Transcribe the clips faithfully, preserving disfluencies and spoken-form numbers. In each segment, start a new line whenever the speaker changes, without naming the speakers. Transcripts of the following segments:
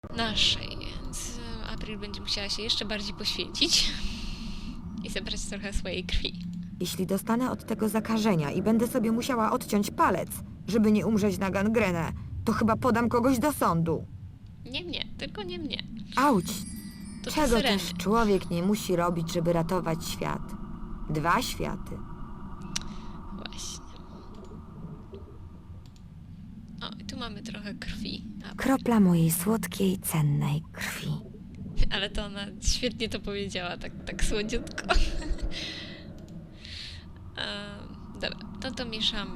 naszej, więc e, April będzie musiała się jeszcze bardziej poświęcić i zebrać trochę swojej krwi.
Jeśli dostanę od tego zakażenia i będę sobie musiała odciąć palec, żeby nie umrzeć na gangrenę, to chyba podam kogoś do sądu.
Nie mnie, tylko nie mnie.
Auć!
To te
Czego
syreny.
też człowiek nie musi robić, żeby ratować świat? Dwa światy.
Właśnie. O, i tu mamy trochę krwi. A,
Kropla mojej słodkiej, cennej krwi.
ale to ona świetnie to powiedziała, tak, tak słodziutko. Em, dobra, to to mieszamy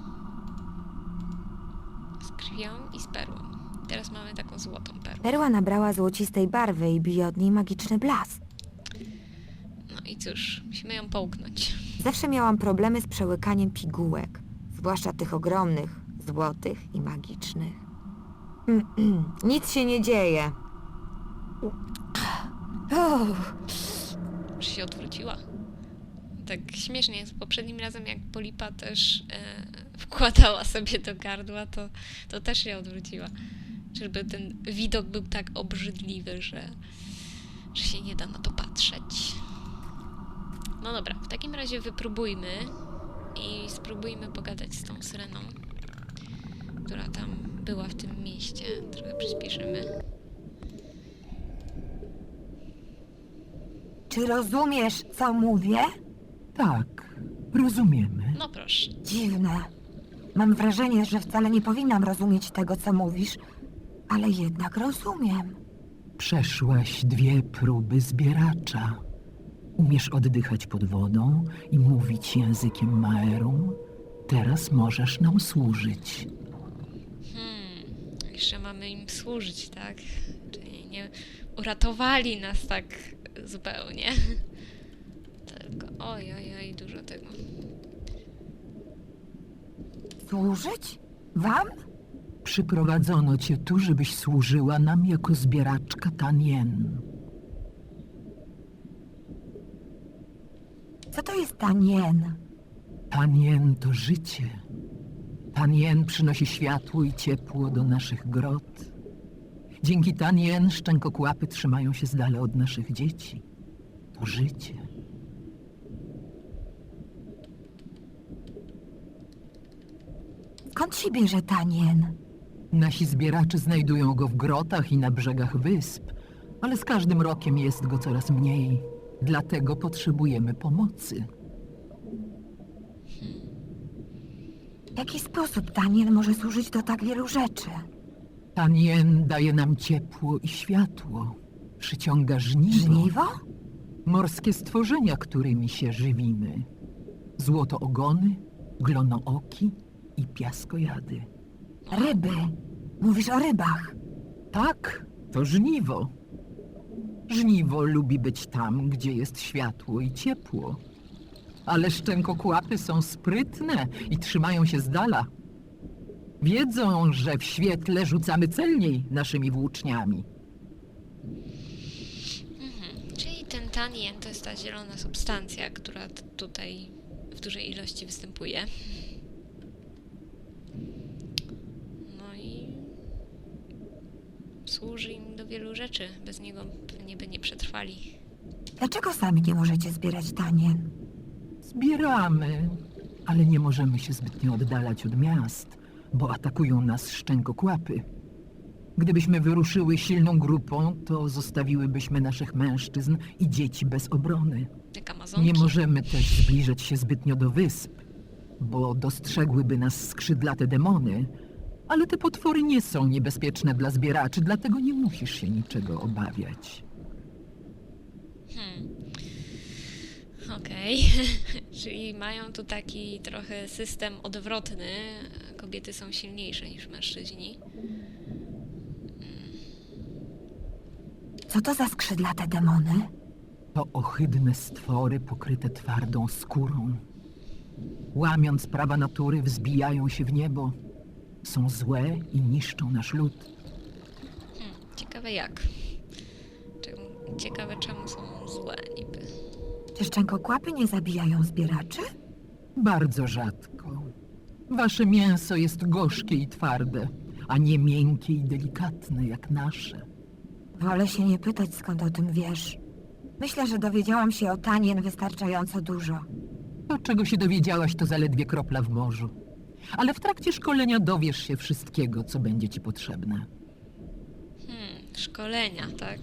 z krwią i z perłą. Teraz mamy taką złotą perłę.
Perła nabrała złocistej barwy i bije od niej magiczny blask.
No i cóż, musimy ją połknąć.
Zawsze miałam problemy z przełykaniem pigułek, zwłaszcza tych ogromnych, złotych i magicznych. Nic się nie dzieje. Uff.
Już się odwróciła. Tak śmiesznie jest. Poprzednim razem, jak Polipa też e, wkładała sobie do gardła, to, to też się odwróciła. Żeby ten widok był tak obrzydliwy, że, że się nie da na to patrzeć. No dobra, w takim razie wypróbujmy i spróbujmy pogadać z tą syreną, która tam była w tym mieście. Trochę przyspieszymy.
Czy rozumiesz, co mówię?
Tak, rozumiemy.
No proszę.
Dziwne. Mam wrażenie, że wcale nie powinnam rozumieć tego, co mówisz, ale jednak rozumiem.
Przeszłaś dwie próby zbieracza. Umiesz oddychać pod wodą i mówić językiem Maerum. Teraz możesz nam służyć.
Hmm, jeszcze mamy im służyć, tak? Czyli nie uratowali nas tak zupełnie. Tylko oj, oj, oj, dużo tego.
Służyć? Wam?
Przyprowadzono cię tu, żebyś służyła nam jako zbieraczka Tanien.
Co to jest tanien?
Tanien to życie. Tanien przynosi światło i ciepło do naszych grot. Dzięki Tanien szczękokłapy trzymają się z dala od naszych dzieci. To życie.
Skąd się bierze tanien?
Nasi zbieracze znajdują go w grotach i na brzegach wysp, ale z każdym rokiem jest go coraz mniej. Dlatego potrzebujemy pomocy.
W jaki sposób tanien może służyć do tak wielu rzeczy?
Tanien daje nam ciepło i światło. Przyciąga żniwo.
Żniwo?
Morskie stworzenia, którymi się żywimy. Złotoogony, glonooki i piaskojady.
Ryby. Mówisz o rybach.
Tak, to żniwo. Żniwo lubi być tam, gdzie jest światło i ciepło. Ale szczękokłapy są sprytne i trzymają się z dala. Wiedzą, że w świetle rzucamy celniej naszymi włóczniami.
Mhm. Czyli ten tanien to jest ta zielona substancja, która t- tutaj w dużej ilości występuje. No i służy im do wielu rzeczy. Bez niego pewnie by nie przetrwali.
Dlaczego sami nie możecie zbierać tanien?
Zbieramy, ale nie możemy się zbytnio oddalać od miast, bo atakują nas szczękokłapy. Gdybyśmy wyruszyły silną grupą, to zostawiłybyśmy naszych mężczyzn i dzieci bez obrony.
Jak Amazonki.
Nie możemy też zbliżać się zbytnio do wysp, bo dostrzegłyby nas skrzydlate demony, ale te potwory nie są niebezpieczne dla zbieraczy, dlatego nie musisz się niczego obawiać.
Hmm. Okej. Czyli mają tu taki trochę system odwrotny. Kobiety są silniejsze niż mężczyźni.
Co to za skrzydlate demony?
To ohydne stwory pokryte twardą skórą. Łamiąc prawa natury, wzbijają się w niebo. Są złe i niszczą nasz lud.
Hmm. Ciekawe jak. Czemu- Ciekawe czemu są złe niby.
Czy szczękokłapy nie zabijają zbieraczy?
Bardzo rzadko. Wasze mięso jest gorzkie i twarde. a nie miękkie i delikatne jak nasze.
Wolę się nie pytać, skąd o tym wiesz. Myślę, że dowiedziałam się o Tanien wystarczająco dużo.
To, czego się dowiedziałaś, to zaledwie kropla w morzu. Ale w trakcie szkolenia dowiesz się wszystkiego, co będzie ci potrzebne.
Hmm, szkolenia, tak.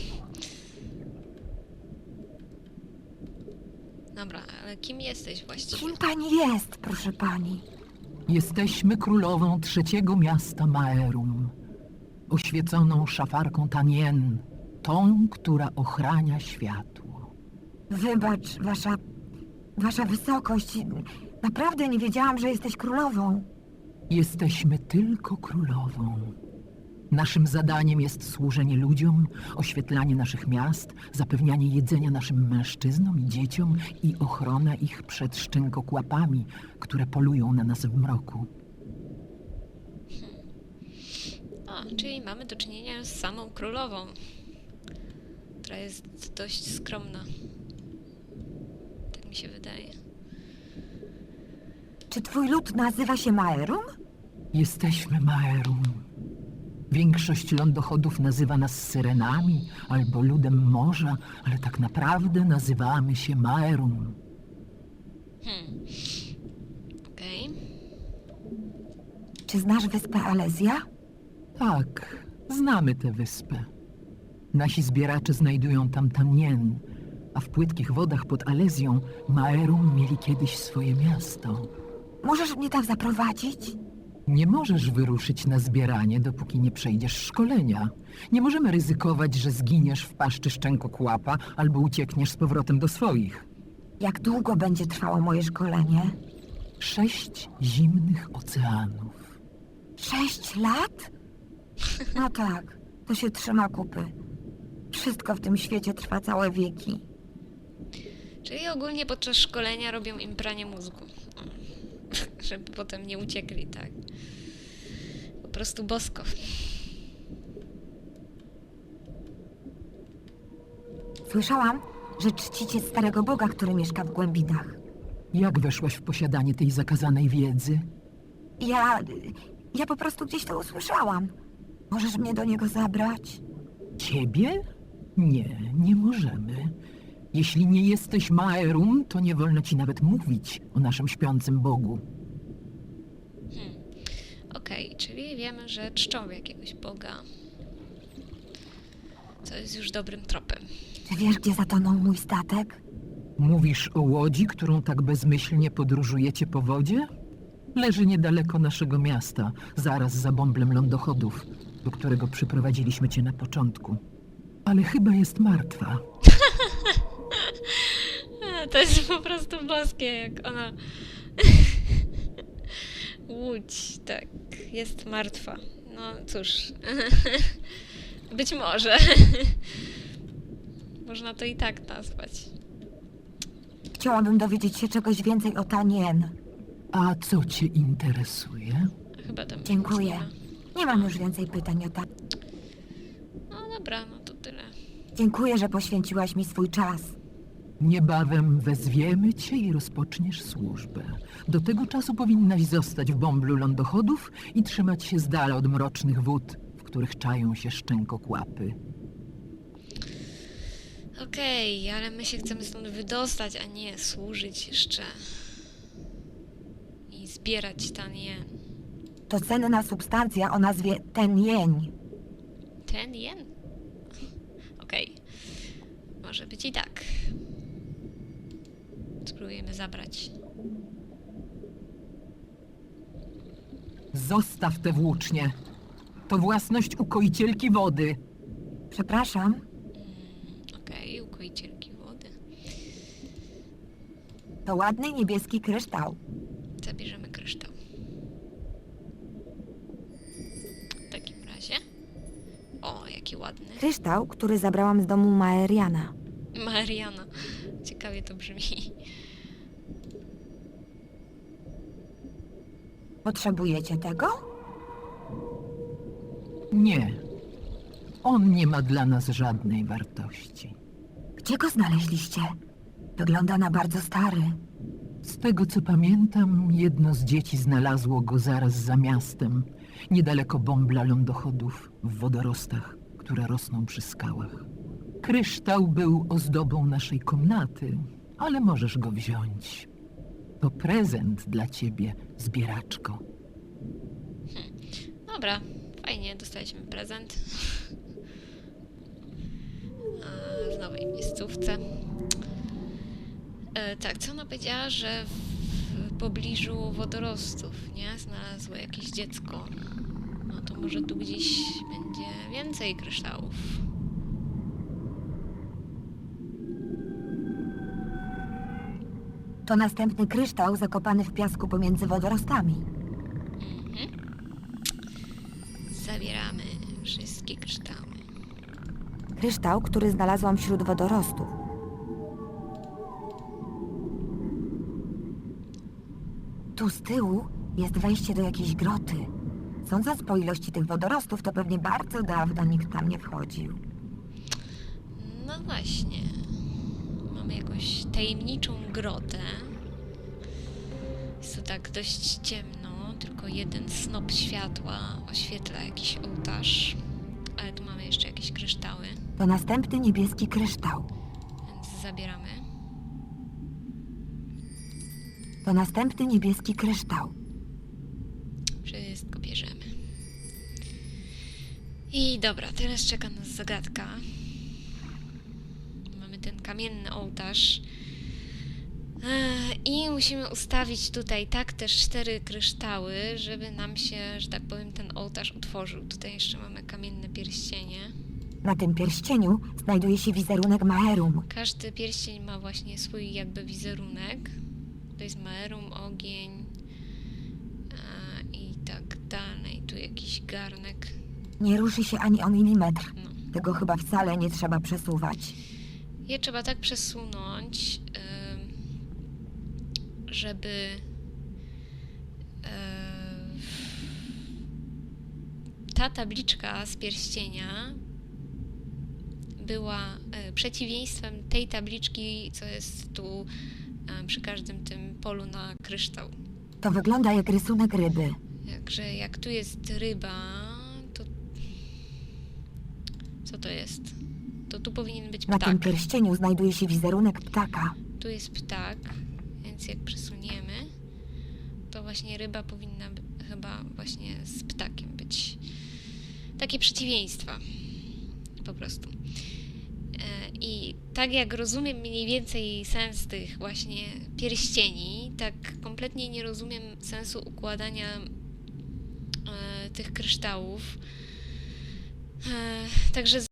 Dobra, ale kim jesteś właściwie?
Kim pani jest, proszę pani?
Jesteśmy królową trzeciego miasta Maerum, oświeconą szafarką Tanien, tą, która ochrania światło.
Wybacz, wasza... wasza wysokość. Naprawdę nie wiedziałam, że jesteś królową.
Jesteśmy tylko królową. Naszym zadaniem jest służenie ludziom, oświetlanie naszych miast, zapewnianie jedzenia naszym mężczyznom i dzieciom i ochrona ich przed szczękokłapami, które polują na nas w mroku.
O, czyli mamy do czynienia z samą królową, która jest dość skromna. Tak mi się wydaje.
Czy twój lud nazywa się Maerum?
Jesteśmy Maerum. Większość lądochodów nazywa nas syrenami albo ludem morza, ale tak naprawdę nazywamy się Maerum.
Hmm. Okej.
Czy znasz wyspę Alezja?
Tak, znamy tę wyspę. Nasi zbieracze znajdują tam Tanien, a w płytkich wodach pod Alezją Maerum mieli kiedyś swoje miasto.
Możesz mnie tam zaprowadzić?
Nie możesz wyruszyć na zbieranie, dopóki nie przejdziesz szkolenia. Nie możemy ryzykować, że zginiesz w paszczy szczękokłapa albo uciekniesz z powrotem do swoich.
Jak długo będzie trwało moje szkolenie?
Sześć zimnych oceanów.
Sześć lat? No tak, to się trzyma kupy. Wszystko w tym świecie trwa całe wieki.
Czyli ogólnie podczas szkolenia robią im pranie mózgu. Żeby potem nie uciekli, tak. Po prostu bosko.
Słyszałam, że czcicie starego Boga, który mieszka w głębinach.
Jak weszłaś w posiadanie tej zakazanej wiedzy?
Ja... ja po prostu gdzieś to usłyszałam. Możesz mnie do niego zabrać?
Ciebie? Nie, nie możemy. Jeśli nie jesteś Maerum, to nie wolno ci nawet mówić o naszym śpiącym Bogu.
Hmm. Okej, czyli wiemy, że czczą jakiegoś Boga. Co jest już dobrym tropem.
Czy wiesz, gdzie zatonął mój statek?
Mówisz o łodzi, którą tak bezmyślnie podróżujecie po wodzie? Leży niedaleko naszego miasta, zaraz za bąblem lądochodów, do którego przyprowadziliśmy cię na początku. Ale chyba jest martwa.
A, to jest po prostu boskie, jak ona... Łódź, tak, jest martwa. No cóż, być może. Można to i tak nazwać.
Chciałabym dowiedzieć się czegoś więcej o Tanien.
A co cię interesuje?
Chyba tam...
Dziękuję. Nie mam już więcej pytań o ta...
No dobra, no to tyle.
Dziękuję, że poświęciłaś mi swój czas.
Niebawem wezwiemy cię i rozpoczniesz służbę. Do tego czasu powinnaś zostać w bąblu lądochodów i trzymać się z dala od mrocznych wód, w których czają się szczękokłapy.
Okej, ale my się chcemy stąd wydostać, a nie służyć jeszcze. I zbierać Tanien.
To cenna substancja o nazwie Tenjeń.
Ten jen? Okej. Może być i tak. Spróbujemy zabrać.
Zostaw tę włócznię. To własność ukoicielki wody.
Przepraszam.
Mm, Okej, ukoicielki wody.
To ładny niebieski kryształ.
Zabierzemy kryształ. W takim razie. O, jaki ładny.
Kryształ, który zabrałam z domu Maeriana.
Mariana. Ciekawie to brzmi.
Potrzebujecie tego?
Nie. On nie ma dla nas żadnej wartości.
Gdzie go znaleźliście? Wygląda na bardzo stary.
Z tego co pamiętam, jedno z dzieci znalazło go zaraz za miastem niedaleko bąbla lądochodów w wodorostach, które rosną przy skałach. Kryształ był ozdobą naszej komnaty, ale możesz go wziąć. To prezent dla ciebie, zbieraczko.
Dobra, fajnie, dostaliśmy prezent. A, w nowej miejscówce. E, tak, co ona powiedziała, że w pobliżu wodorostów, nie? Znalazło jakieś dziecko. No to może tu gdzieś będzie więcej kryształów.
To następny kryształ zakopany w piasku pomiędzy wodorostami.
Mhm. Zabieramy wszystkie kryształy.
Kryształ, który znalazłam wśród wodorostów. Tu z tyłu jest wejście do jakiejś groty. Sądząc po ilości tych wodorostów, to pewnie bardzo dawno nikt tam nie wchodził.
No właśnie. Mamy jakąś tajemniczą grotę. Jest tu tak dość ciemno, tylko jeden snop światła oświetla jakiś ołtarz. Ale tu mamy jeszcze jakieś kryształy,
To następny niebieski kryształ.
więc zabieramy.
To następny niebieski kryształ.
Wszystko bierzemy. I dobra, teraz czeka nas zagadka. Mamy ten kamienny ołtarz. Ech, I musimy ustawić tutaj tak też cztery kryształy, żeby nam się, że tak powiem, ten ołtarz otworzył. Tutaj jeszcze mamy kamienne pierścienie.
Na tym pierścieniu znajduje się wizerunek Maerum.
Każdy pierścień ma właśnie swój jakby wizerunek. To jest Maerum, ogień a, i tak dalej. Tu jakiś garnek.
Nie ruszy się ani o milimetr.
No.
Tego chyba wcale nie trzeba przesuwać.
Je trzeba tak przesunąć, ym, żeby ym, ta tabliczka z pierścienia była y, przeciwieństwem tej tabliczki, co jest tu y, przy każdym tym polu na kryształ.
To wygląda jak rysunek ryby.
Także jak tu jest ryba, to co to jest? To tu powinien być
Na tym
ptak.
pierścieniu znajduje się wizerunek ptaka.
Tu jest ptak, więc jak przesuniemy, to właśnie ryba powinna by, chyba właśnie z ptakiem być. Takie przeciwieństwa. Po prostu. E, I tak jak rozumiem mniej więcej sens tych właśnie pierścieni, tak kompletnie nie rozumiem sensu układania e, tych kryształów. E, także